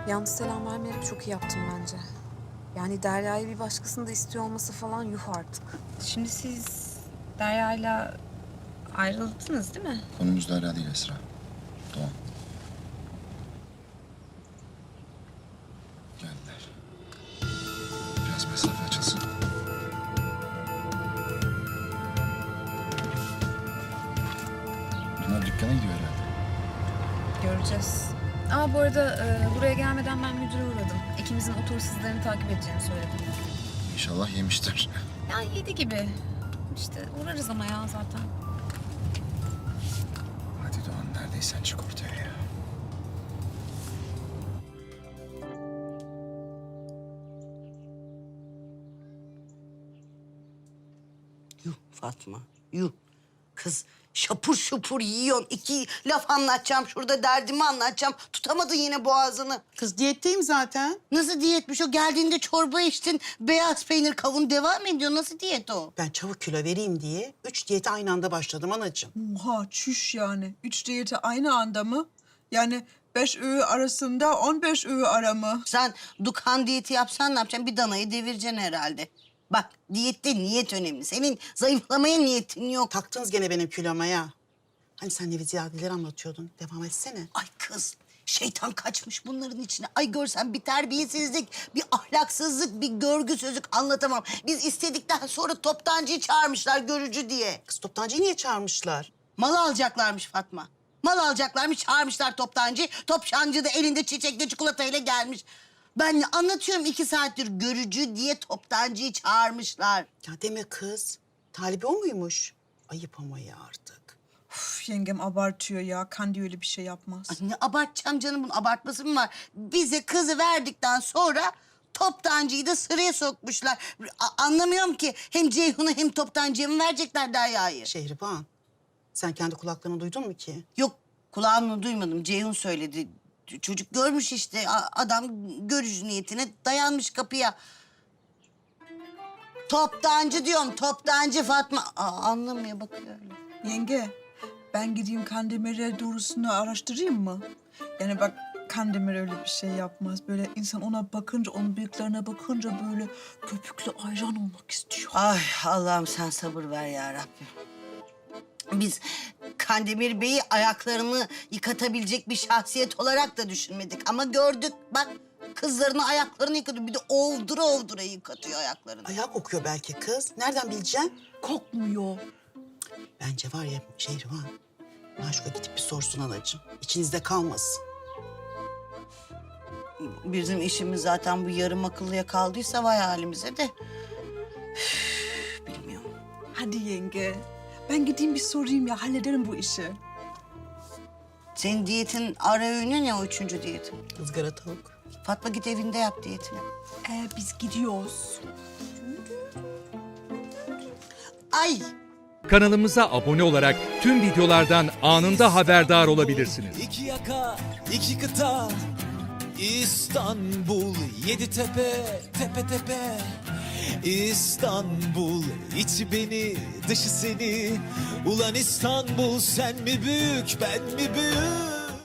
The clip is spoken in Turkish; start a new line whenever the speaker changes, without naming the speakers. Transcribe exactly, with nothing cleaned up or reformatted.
Yalnız selam vermeyerek çok iyi yaptım bence. Yani Derya'yı bir başkasını da istiyor olması falan yuh artık.
Şimdi siz Derya'yla ayrıldınız değil mi?
Konumuz Derya değil Esra. Doğan. Geldiler. Biraz mesafe açılsın. Bunlar dükkana gidiyor herhalde.
Göreceğiz. Ama bu arada e, buraya gelmeden ben müdüre uğradım. İkimizin otur hızlarını takip edeceğini söyledim.
İnşallah yemiştir.
Yani yedi gibi. İşte uğrarız ama ya zaten.
Hadi Doğan, neredeysen çık ortaya ya.
Yuh Fatma, yuh. Kız şapur şupur yiyorsun. İki laf anlatacağım, şurada derdimi anlatacağım. Tutamadın yine boğazını.
Kız diyetteyim zaten.
Nasıl diyetmiş o? Geldiğinde çorba içtin, beyaz peynir kavun devam ediyor. Nasıl diyet o?
Ben çabuk kilo vereyim diye üç diyete aynı anda başladım anacığım.
Oha çüş yani. Üç diyeti aynı anda mı? Yani beş öğü arasında on beş öğü ara mı?
Sen Dukan diyeti yapsan ne yapacaksın? Bir danayı devireceksin herhalde. Bak diyette niyet önemli. Senin zayıflamaya niyetin yok.
Taktınız gene benim kiloma ya. Hani sen neviziyadeleri anlatıyordun. Devam etsene.
Ay kız, şeytan kaçmış bunların içine. Ay görsen bir terbiyesizlik, bir ahlaksızlık, bir görgüsüzlük anlatamam. Biz istedikten sonra toptancıyı çağırmışlar görücü diye.
Kız toptancıyı niye çağırmışlar?
Mal alacaklarmış Fatma. Mal alacaklarmış, çağırmışlar toptancıyı. Toptancı da elinde çiçekli çikolatayla gelmiş. Ben anlatıyorum iki saattir görücü diye toptancıyı çağırmışlar.
Ya deme kız. Talibi o muymuş? Ayıp ama ya artık.
Üf, yengem abartıyor ya. Kandi öyle bir şey yapmaz.
Ay ne abartacağım canım, bunun abartması mı var? Bize kızı verdikten sonra toptancıyı da sıraya sokmuşlar. A- anlamıyorum ki hem Ceyhun'u hem toptancıya mı verecekler Derya'yı?
Şehriban, sen kendi kulaklarına duydun mu ki?
Yok, kulağımla duymadım. Ceyhun söyledi. Çocuk görmüş işte. A- adam görücü niyetine dayanmış kapıya. Toptancı diyorum, toptancı Fatma. Aa, anlamıyor, bakıyor öyle.
Yenge, ben gideyim Kandemir'e doğrusunu araştırayım mı? Yani bak Kandemir öyle bir şey yapmaz. Böyle insan ona bakınca, onun bıyıklarına bakınca böyle köpüklü ayran olmak istiyor.
Ay Allah'ım sen sabır ver ya Rabbim. Biz Kandemir Bey'i ayaklarını yıkatabilecek bir şahsiyet olarak da düşünmedik. Ama gördük bak, kızlarını ayaklarını yıkatıyor. Bir de ovdura ovdura yıkatıyor ayaklarını.
Ayağı kokuyor belki kız. Nereden bileceksin?
Kokmuyor.
Bence var ya Şehriban, Maşuk'a gidip bir sorsun anacığım. İçinizde kalmasın.
Bizim işimiz zaten bu yarım akıllıya kaldıysa vay halimize de. Üf, bilmiyorum.
Hadi yenge. Ben gideyim bir sorayım ya. Hallederim bu işi.
Senin diyetin ara öğünü ne, o üçüncü diyetin?
Izgara tavuk.
Fatma git evinde yap diyetini.
Ee, biz gidiyoruz.
Ay
Kanalımıza abone olarak tüm videolardan anında haberdar olabilirsiniz.
İki yaka, iki kıta, İstanbul, yedi tepe, tepe tepe. İstanbul, içi beni, dışı seni. Ulan İstanbul, sen mi büyük, ben mi büyük?